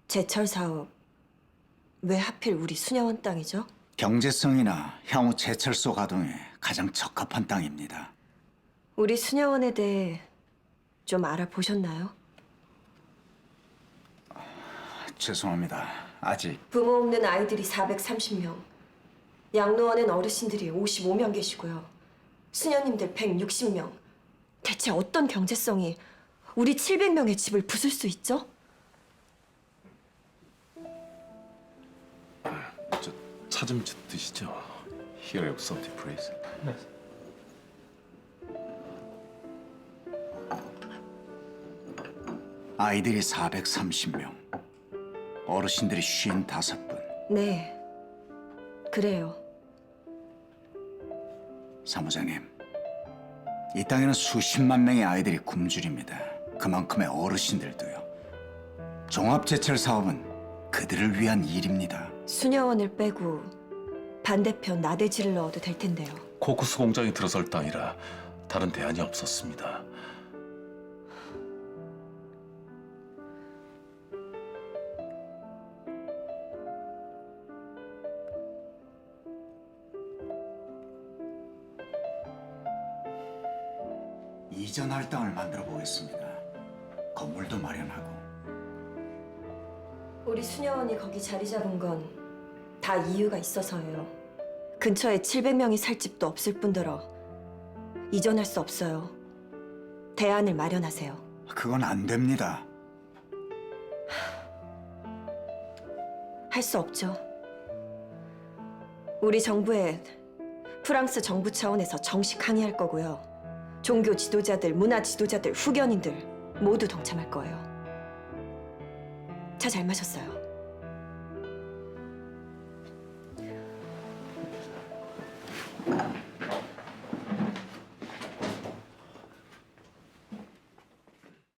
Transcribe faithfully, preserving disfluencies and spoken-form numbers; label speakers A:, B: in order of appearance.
A: 제철 사업 왜 하필 우리 수녀원 땅이죠?
B: 경제성이나 향후 제철소 가동에 가장 적합한 땅입니다.
A: 우리 수녀원에 대해 좀 알아보셨나요?
B: 죄송합니다. 아직
A: 부모 없는 아이들이 사백삼십 명, 양로원엔 어르신들이 오십오 명 계시고요. 수녀님들 백육십 명. 대체 어떤 경제성이 우리 칠백 명의 집을 부술 수 있죠?
C: 저 차 좀 드시죠. Here you have something, please.
B: 아이들이 사백삼십 명, 어르신들이 오십오 분.
A: 네, 그래요.
B: 사무장님, 이 땅에는 수십만 명의 아이들이 굶주립니다. 그만큼의 어르신들도요. 종합제철 사업은 그들을 위한 일입니다.
A: 수녀원을 빼고 반대편 나대지를 넣어도 될 텐데요.
C: 코쿠스 공장이 들어설 땅이라 다른 대안이 없었습니다.
B: 이전할 땅을 만들어 보겠습니다. 건물도 마련하고.
A: 우리 수녀원이 거기 자리 잡은 건 다 이유가 있어서예요. 근처에 칠백 명이 살 집도 없을 뿐더러 이전할 수 없어요. 대안을 마련하세요.
B: 그건 안 됩니다.
A: 할 수 없죠. 우리 정부에 프랑스 정부 차원에서 정식 항의할 거고요. 종교 지도자들, 문화 지도자들, 후견인들 모두 동참할 거예요. 차 잘 마셨어요.